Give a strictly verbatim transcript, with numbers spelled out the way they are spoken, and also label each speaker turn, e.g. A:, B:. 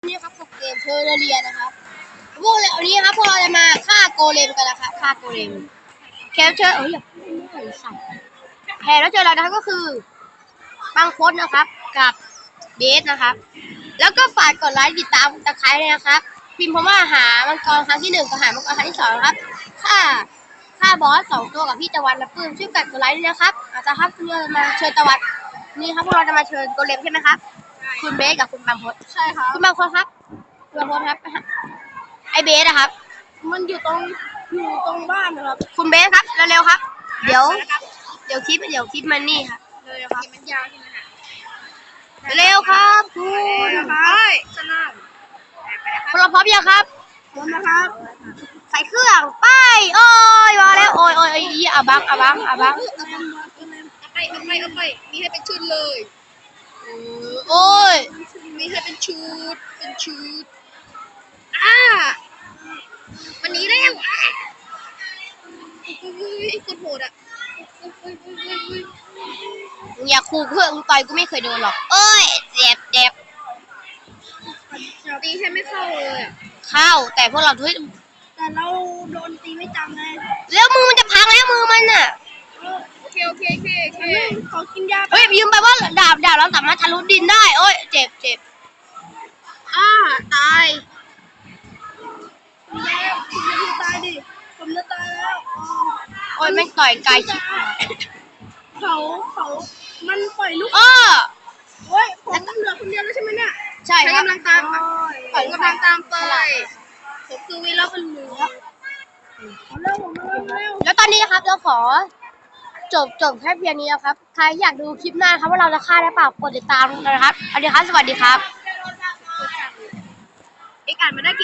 A: นี่ครับกับเกมเทอร์เรียนะครับพวกเราวันนี้ครับพวกเราจะมาฆ่าโกเลมกันนะครับฆ่าโกเลมแคปเจอร์เอ้ยอย่าพูดมากสั่นแพ้แล้วเจอเรานะครับก็คือบังคดนะครับกับเบสนะครับแล้วก็ฝากกดไลค์ติดตามตะไคร้เลยนะครับพิมพ์คำว่าหามังกรครั้งที่หนึ่งกับหามังกรครั้งที่สองครับฆ่าฆ่าบอสสองตัวกับพี่ตะวันและปื้มช่วยกันกดไลค์ด้วยนะครับอาจจะครับเรามาเชิญตะวันนี่ครับพวกเราจะมาเชิญโกเลมใช่ไหมครับคุณเบสกับคุณบังคดใช่ครับคุณบังคดครับคุณบังคดครับไอเบสนะครับมันอยู่ตรงอยู่ตรงบ้านนะครับคุณเบสครับเร็วๆครับเดี๋ยวเดี๋ยวคลิปเดี๋ยวคลิปมันนี่ครับเร็วๆครับมันยาวใช่ไหมคะเร็วครับคุณครับสนามพร้อมพร้อมยังครับพร้อมนะครับใส่เครื่องไปโอ้ยมาแล้วโอ้ยโอ้ยอาบังอาบังอาบัง
B: เอาไปเอาไปเอาไปมีให้เป็นชุดเลย
A: โอ้ย
B: มีให้เป็นชุดเป็นชุดอ่าวันนี้แล้วอ่ะอุ้ยกดโหดอ่ะ
A: อย่าขู่เพื่อนต่อยกูไม่เคยโดนหรอกเอ้ยเจ็บเจ็บ
B: ตีแค่ไม่เข้าเลย
A: เข้าแต่พวกเราทุก
B: แต่เราโดนตีไม่จำเลย
A: แล้วมือมันจะพังแล้วมือมันน่ะ
B: โอเคโอเคโอเคโอเคขอกินยา
A: เฮ้ยยืมไปว่าดาบดาบเราสามารถทะลุดินได้โอ้ยเจ็บเจ็บ
B: อ่าตายแล้วคุณจะตายดิผมจะตายแล้ว
A: โอ้ยแม่งต่อยกายชิบหาย
B: เขาเขามันปล่อยลูก
A: อ้อ
B: โอ้ยผมเหลือคนเดียวแล้วใช่ไหมเนี่ย
A: ใช่ครับ
B: กำลังตามผมกำลังตามไปผมคือวีรบุรุษเร็วเร็ว
A: แล้วตอนนี้นะครับเราขอจบจบแค่เพียงนี้นะครับใครอยากดูคลิปหน้าครับว่าเราจะฆ่าได้เปล่ากดติดตามนะครับสวัสดีครับสวัสดีครับ
B: เอกอ่านมาได้